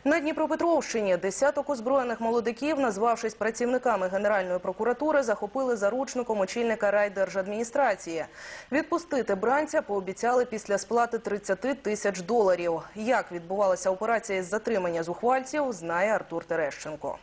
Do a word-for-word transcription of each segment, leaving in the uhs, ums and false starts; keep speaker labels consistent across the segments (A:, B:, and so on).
A: На Дніпропетровщині десяток озброєних молодиків, назвавшись працівниками Генеральної прокуратури, захопили заручником очільника райдержадміністрації. Відпустити бранця пообіцяли після сплати тридцяти тисяч доларів. Як відбувалася операція із затримання зухвальців, знає Артур Терещенко.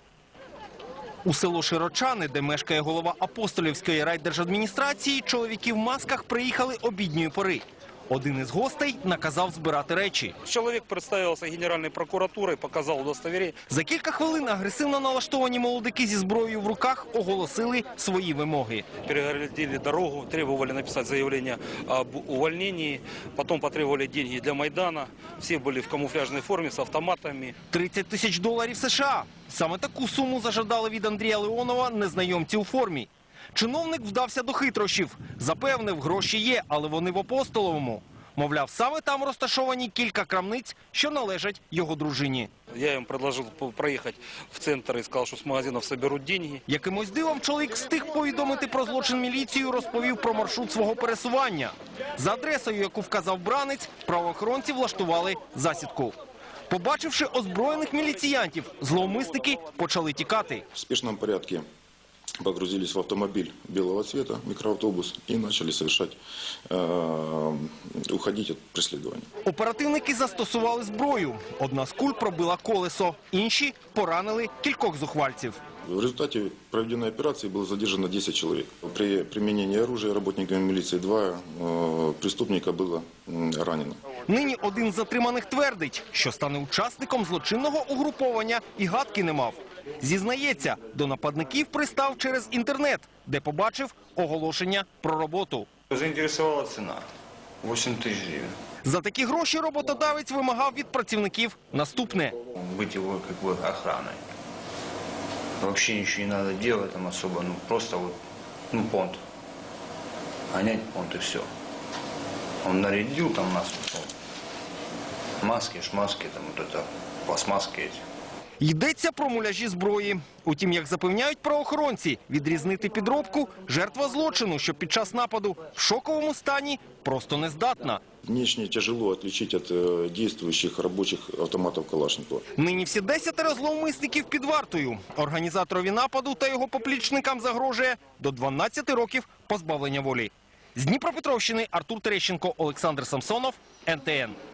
B: У село Широчани, де мешкає голова Апостолівської райдержадміністрації, чоловіки в масках приїхали обідньої пори. Один із гостей наказав збирати речі.
C: Чоловік представився Генеральною прокуратурою, показав удостовірення.
B: За кілька хвилин агресивно налаштовані молодики зі зброєю в руках оголосили свої вимоги.
C: Перегородили дорогу, требували написати заявлення об увольненні, потім потребували гроші для Майдану. Всі були в камуфляжній формі з автоматами.
B: тридцять тисяч доларів США. Саме таку суму зажадали від Андрія Леонова незнайомці у формі. Чиновник вдався до хитрощів. Запевнив, гроші є, але вони в Апостоловому. Мовляв, саме там розташовані кілька крамниць, що належать його дружині.
C: Я їм пропонував проїхати в центр і сказав, що з магазинів зберуть гроші.
B: Якимось дивом чоловік встиг повідомити про злочин міліцію, розповів про маршрут свого пересування. За адресою, яку вказав бранець, правоохоронці влаштували засідку. Побачивши озброєних міліціянтів, зловмисники почали тікати.
D: В спешном порядке погрузились в автомобиль белого цвета, микроавтобус, и начали совершать, э, уходить от преследования.
B: Оперативники застосували зброю. Одна з куль пробила колесо, інші поранили кількох зухвальців.
D: В результате проведенной операции было задержано десять человек. При применении оружия работниками милиции два э, преступника было э, ранено.
B: Нині один з затриманих твердить, що стане учасником злочинного угруповання і гадки не мав. Зізнається, до нападників пристав через інтернет, де побачив оголошення про роботу.
E: Заінтересувала ціна – вісім тисяч гривень.
B: За такі гроші роботодавець вимагав від працівників наступне.
E: Бути його як би охраною. Взагалі нічого не треба робити там особо, ну просто вот, ну понт. Гонять понт і все. Он нарядил там нас, ну, маски, шмаски, там вот это, пластмаски эти.
B: Йдеться про муляжі зброї. Утім, як запевняють правоохоронці, відрізнити підробку жертва злочину, що під час нападу в шоковому стані просто не здатна.
D: Внешне тяжело отличить от э, действующих рабочих автоматов Калашникова.
B: Нині всі десятеро зловмисників під вартою. Організаторові нападу та його поплічникам загрожує до дванадцяти років позбавлення волі. З Дніпропетровщини Артур Терещенко, Олександр Самсонов, ен те ен.